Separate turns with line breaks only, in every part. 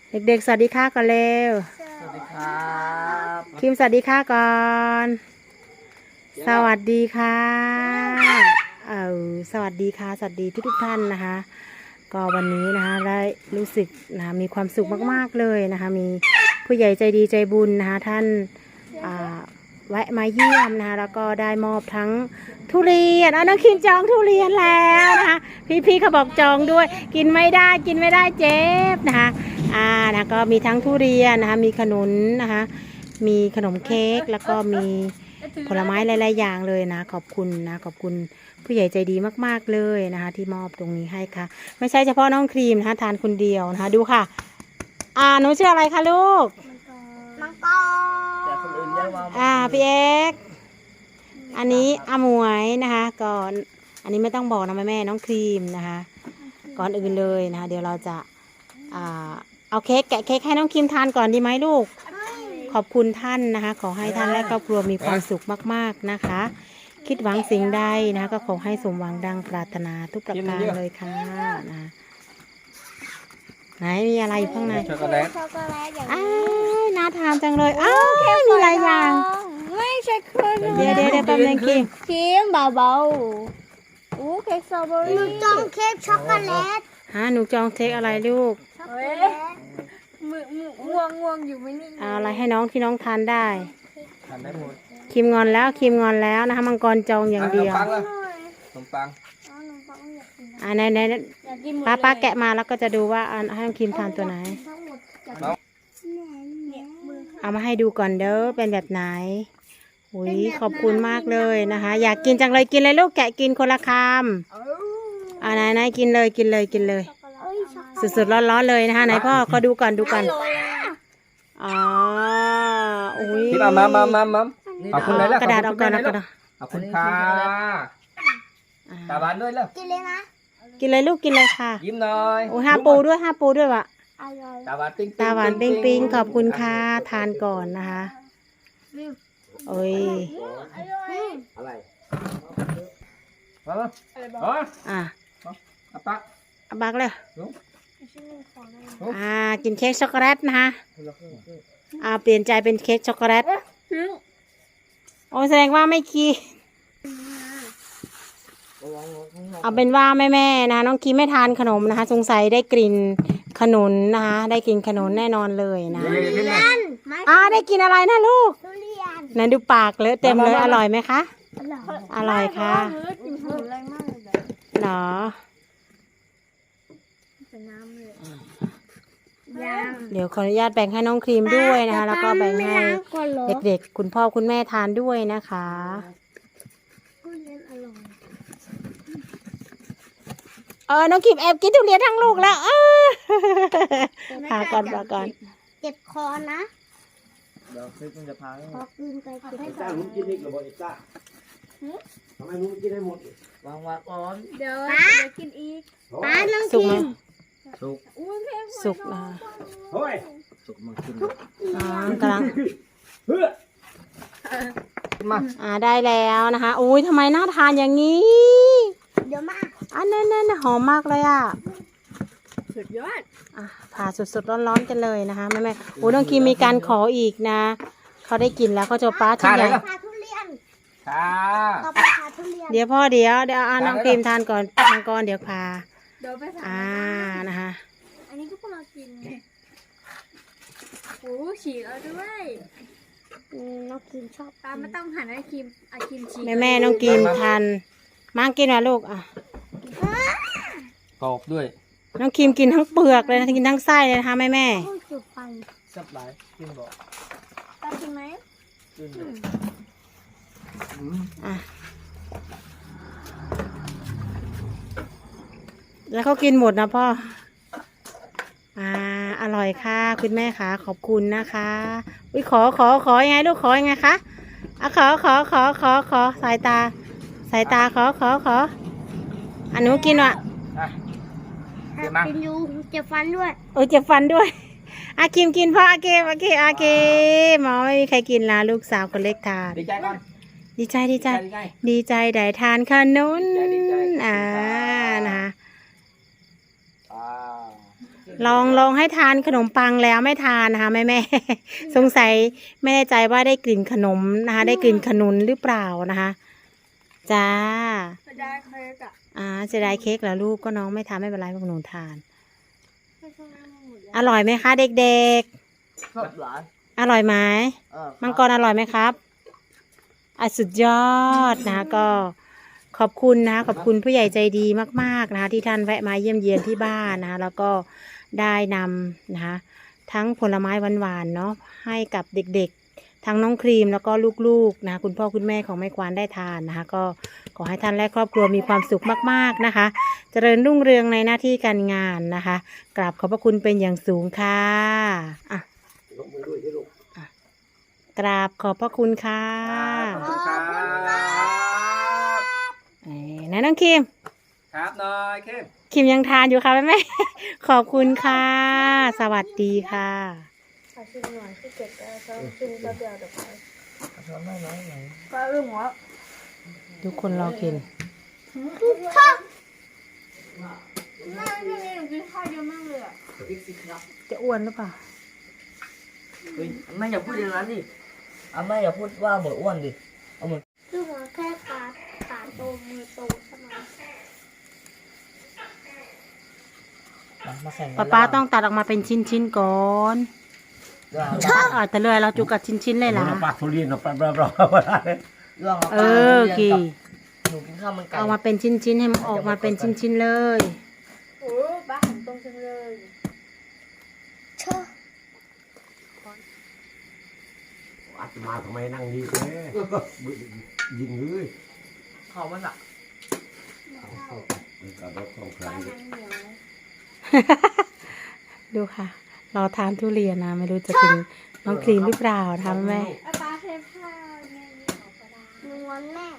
เด็กๆสวัสดีค่ะก่อนเร็ว
สวัสดีครับ
คิมสวัสดีค่ะก่อนสวัสดีค่ะสวัสดีค่ะสวัสดีทุกท่านนะคะก็วันนี้นะคะได้รู้สึกนะคะมีความสุขมากๆเลยนะคะมีผู้ใหญ่ใจดีใจบุญนะคะท่านแวะมาเยี่ยมนะคะแล้วก็ได้มอบทั้งทุเรียนน้องคิมจองทุเรียนแล้วนะคะพี่เขาบอกจองด้วยกินไม่ได้เจ็บนะคะนะก็มีทั้งทุเรียนนะคะมีขนุนนะคะมีขนมเค้กแล้วก็มีผลไม้หลายๆอย่างเลยนะขอบคุณนะขอบคุณผู้ใหญ่ใจดีมากๆเลยนะคะที่มอบตรงนี้ให้ค่ะไม่ใช่เฉพาะน้องครีมนะคะทานคนเดียวนะคะดูค่ะหนูชื่ออะไรคะลูก
มังกร
แต่คนอื่นเรียกว่า
พี่เอกอันนี้อาหมวยนะคะก่อนอันนี้ไม่ต้องบอกนะแม่น้องครีมนะคะก่อนอื่นเลยนะคะเดี๋ยวเราจะเอาเค้กแกะเค้กให้น้องครีมทานก่อนดีไหมลูกขอบคุณท่านนะคะขอให้ท่านและครอบครัวมีความสุขมากๆนะคะคิดหวังสิ่งใดนะคะก็ขอให้สมหวังดังปรารถนาทุกประการเลยค่ะนะไหนมีอะไรอยู่ข้างใน
ช็อกโกแลต
อย่างนี้
น่าทานจังเลยมีหลายอย่าง
ไม่ใช่เครื่อง
เดี๋ยวแป๊บนึงคิม
เบาๆเค้กสตรอเบอรี่หนูจองเค้กช็อกโกแลต
หนูจองเค้กอะไรลูก
ช็อกโกแลตง่วงอยู่ไม่นิ่ง
อะไรให้น้องที่น้องทานได้
ทานได้หมด
คิมงอนแล้วนะคะมังกรจองอย่างเดียว
ขนมปัง
ไหนป้าแกะมาแล้วก็จะดูว่าให้น้องคิมทานตัวไหนเอามาให้ดูก่อนเด้อเป็นแบบไหนอุ้ยขอบคุณมากเลยนะคะอยากกินจังเลยกินเลยลูกแกะกินคนละคำไหนกินเลยสุดๆร้อนๆเลยนะคะไหนพ่อก็ดูก่อนอุ้ย
ที่มาเอาคุณไหนแล้ว
กระดาษเอาก่อน
เอาคุณค่ะตาบานด้วยแล้ว
กินเลยนะ
กินเลยลูกกินเลยค่ะ
ยิ้มหน่อย
โอ้ห้าปูด้วยวะ
ตาหวาน
ปิ้งขอบคุณค่ะทานก่อนนะคะโอ้ย
อะไร
บักเลยกินเค้กช็อกโกแลตนะคะเปลี่ยนใจเป็นเค้กช็อกโกแลตโอ้แสดงว่าไม่กินเอาเป็นว่าแม่นะคะน้องคีไม่ทานขนมนะคะสงสัยได้กลิ่นขนุนนะคะได้กินขนุนแน่นอนเลยนะได้กินอะไรนะลูกนั่นดูปากเลอะเต็มเลยอร่อยไหมคะอร่อยค่ะหรอเดี๋ยวขออนุญาตแบ่งให้น้องครีมด้วยนะคะแล้วก็แบ่งให้เด็กๆคุณพ่อคุณแม่ทานด้วยนะคะน้องครีมแอบกินทุเรียนทั้งลูกแล้วพาก่อน
เจ็บคอนะ
เดี๋ยวคลิปมันจะพา
ขอกินไป
ไอ้จ้าลุงกินอีกหรือเปล่าไอ้จ้าทำไมลุงกินได้หมดวางก่อน
เดี๋ยวกินอีกน้องครีม
สุกนะ
เฮ้ยสุกมันกิน
กำลังมาได้แล้วนะคะอุ้ยทำไมน่าทานอย่างนี้
เดี๋ยวมา
นั่นหอมมากเลย
สุดยอด
ผ่าสดร้อนๆกันเลยนะคะแม่โอ้น้องคีมีการขออีกนะเขาได้กินแล้วเขาจะป้าชิ้นใหญ่เดี๋ยวพ่อเดี๋ยวน้องครีมทานก่อนมังกรเดี๋ยวพานะคะ
อันนี้ทุกคนเรากินฉีกเอาด้วยน้องครีมชอบไม่ต้องหั่นให้ครีมฉีก
แม่น้องครีมทานมั่งกินนะลูก
กรอบด้วย
น้องครีมกินทั้งเปลือกเลยนะกินทั้งไส้เลยนะคะแม่
สับหลายกินบอก
กินไหม
แล้วเขากินหมดนะพ่ออร่อยค่ะคุณแม่ค่ะขอบคุณนะคะอุ้ยขอยังไงลูกขอยังไงคะขอสายตาขอหนูกินวะ
กินอยู่เจ็บฟันด้วย
เจ็บฟันด้วยคิมกินพ่อโอเคหมอไม่มีใครกินละลูกสาวคนเล็กทาน
ดีใจก่อน
ดีใจได้ทานขนุนนะคะลองให้ทานขนมปังแล้วไม่ทานนะคะแม่ สงสัยไม่แน่ใจว่าได้กลิ่นขนมนะคะได้กลิ่นขนุนหรือเปล่านะคะจ้า
จะได้เค้กอ่ะ
เสียดายเค้กแล้วลูกก็น้องไม่ทานไม่เป็นไรพวกหนูทาน
ไม่ใช่ไม่หมดแล้ว
อร่อยไหมคะเด็ก
ชอบหลาน
ๆ อร่อยไหม มังกรอร่อยไหมครับสุดยอดนะคะก็ขอบคุณนะคะขอบคุณผู้ใหญ่ใจดีมากๆนะคะที่ท่านแวะมาเยี่ยมเยียนที่บ้านนะคะแล้วก็ได้นำนะคะทั้งผลไม้หวานๆเนาะให้กับเด็กๆทั้งน้องครีมแล้วก็ลูกๆนะคะคุณพ่อคุณแม่ของแม่ควานได้ทานนะคะก็ขอให้ท่านและครอบครัวมีความสุขมากๆนะคะเจริญรุ่งเรืองในหน้าที่การงานนะคะกราบขอบพระคุณเป็นอย่างสูงค่ะอ่ะ
ยกมือด้วยที่ลูก
กราบขอบพระคุณค่ะ
ขอบคุณครับ
ไหนน้องคิม
ครับน้อยเข้ม
คิมยังทานอยู่ค่ะแม่ ขอบคุณค่ะ สวัสดีค่ะ
ขอชิมหน่อยที่เก็บแล้วเขาชิมแป๊บเดียวเดี๋ยวไป
ช้อนน้อยไหน
ก็เรื่องหัว
ทุกคนรอกิน
ข้าวแม่ช่วงนี้หนูกินข้าวเยอะมากเลยอ่ะ
พริกสิครับ
จะอ้วนหรือเปล่า
เฮ้ยแม่อย่าพูดอย่างนั้นดิแม่อย่าพูดว่าเบออ้วนดิเอามือ
คือหัวแค่ขาโตมือโตใช่ไหม
มาแข่ง
ป้าต้องตัดออกมาเป็นชิ้นๆก่อนแต่เลยเราจุกกับชิ้นๆเลยล่ะ
ปลาทุเรียนปลาปลาปลารื่อง
กี่
หนูกินข้าวมันไก่
เอามาเป็นชิ้นๆให้มันออกมาเป็นชิ้นๆเลย
โอ้บ้าหันตรงจังเลยเชอะ
อาตมาทำไมนั่งดีแท้ยิงเลยเขามันอ่ะกับรถของใคร
บ้านนั้นเหนียว
ดูค่ะ เราทานทุเรียนนะไม่รู้จะถึงน้องครีมหรือเปล่าทำแม่
ไอ้ปลาเทผ้าแม่นี่ออกก็ได้นวลแม่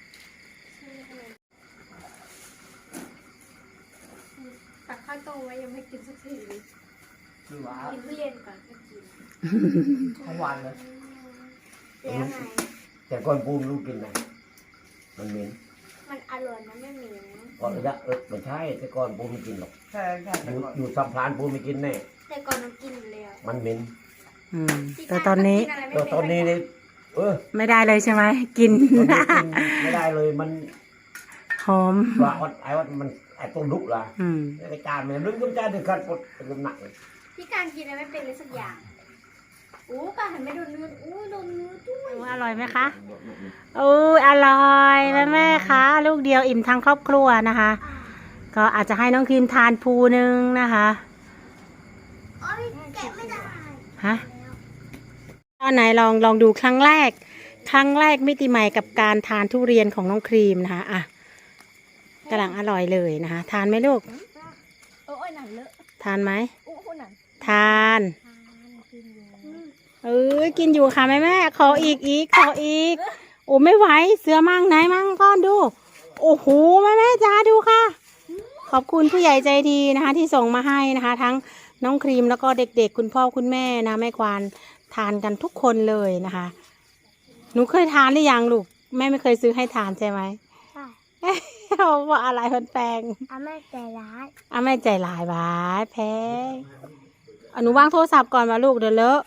ตักข้าวต้มไว้ยังไม่กินสักที
คือว่า
กินทุเรียนก่อนก็กิน
ทั้งวันเลย
แล้วไง
แต่ก่อนปูมลูกกินไหมมันเหม็น
มันอร่อยนะไม่เหม็น
ก่อนระยะไม่ใช่แต่ก่อนปูไม่กินหรอกอยู่สัมพลานปูไม่กินแน่
แต่ก่อนน้ำกินอยู่แล้ว
มันเหม็น
แต่ตอนนี้
แต่ตอนนี้นี่
ไม่ได้เลยใช่ไหมกิน
ตอนนี้กินไม่ได้เลยมัน
หอม
ว่าไอ้ว่ามันไอ้ต้นลุกล่ะ
อืม
ไอ้จานมันลึกขึ้นจานถึงขั้นปวดเป็นหนักเลย
พี่การกินอะไรไม่เป็นเลยสักอย่างอู้ป้าหันไปโดนเนื้ออู้โดนเนื้อด้วย
อร่อยไหมคะอร่อยแม่คะลูกเดียวอิ่มทั้งครอบครัวนะคะ ก็อาจจะให้น้องครีมทานภูนึงนะคะ
โอ้ยแกะไม่ได้
ฮะตอนไหนลองดูครั้งแรกมิติใหม่กับการทานทุเรียนของน้องครีมนะคะอ่ะกำลังอร่อยเลยนะคะทานไหมลูก
โอ้ยหนังเลอะ
ทานไหม
อู้หนัง
ทาน
กินอยู่
กินอยู่ค่ะแม่ขออีกขออีกโอ้ไม่ไหวเสือมั่งไหนมั่งก้อนดูโอ้โหแม่จ้าดูค่ะ ขอบคุณผู้ใหญ่ใจดีนะคะที่ส่งมาให้นะคะ ทั้งน้องครีมแล้วก็เด็กๆคุณพ่อคุณแม่นะแม่ควานทานกันทุกคนเลยนะคะหนูเคยทานหรือยังลูกแม่ไม่เคยซื้อให้ทานใช่ไหม
ใช่
ว่าอะไรมันแพง
แม่ใจร้าย
แม่ใจหลายบาทแพงหนูวางโทรศัพท์ก่อนมาลูกเดี๋ยวเลอะ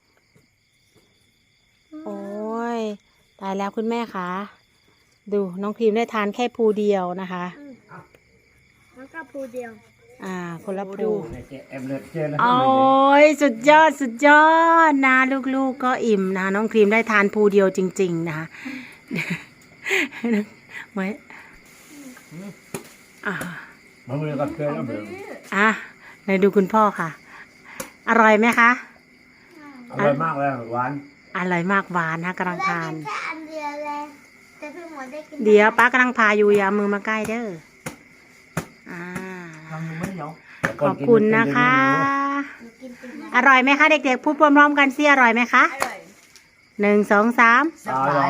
โอ้ยตายแล้วคุณแม่คะดูน้องครีมได้ทานแค่ภูเดียวนะคะ
แล้วก็ภูเดียว
คนละภู
เอ็มเลือดเจอแล้ว
โอ้ยสุดยอดนะลูกๆก็อิ่มนะน้องครีมได้ทานภูเดียวจริงๆนะคะไว้
มันเลยกับเจอแล้วเบล
ไหนดูคุณพ่อค่ะ อร่อยไหมคะ
อร่อยมากเลยหวาน
อร่อยมากหวานนะกำลังทาน
แค่อันเดียวเลยแต่พี่หมอได้กิน
เดี๋ยวป้ากำลังพาอยู่อย่ามือมาใกล้เด้อ
ทำยังไม่เหนียว
ขอบคุณนะคะ
กินเป็น
อร่อยไหมคะเด็กๆพูดพร้อมๆกันสิอร่อยไหมคะ
อร่อย
1 2 3
อร่อย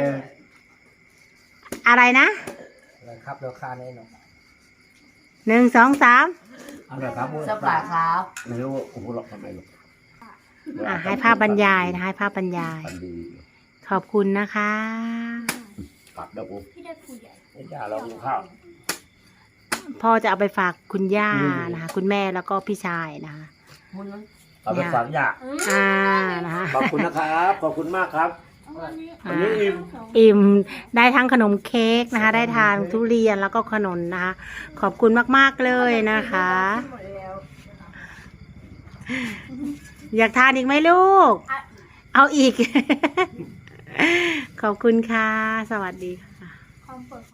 อะไรนะ
ครับราคาแน่นอน
1 2 3
อร่อยครับสับหลายครับไม่รู้ว่าคุณหลอกทำไมหรอก
ให้ภาพบรรยายนะให้ภาพบรรยาย ขอบคุณนะคะ
กลับแล้วกู
พี่ได้ภูใหญ่
ไม่จ่าเรากินข้าว
พ่อจะเอาไปฝากคุณย่านะคะคุณแม่แล้วก็พี่ชายนะคะ
เอาไปฝากย่า
นะคะ
ขอบคุณนะครับ ขอบคุณมากครับ วันนี้อิ่ม
อิ่มได้ทั้งขนมเค้กนะคะ ได้ทานทุเรียนแล้วก็ขนมนะคะ ขอบคุณมากๆเลยนะคะ อยากทานอีกไหมลูก เอาอีก ขอบคุณค่ะ สวัสดีค่ะ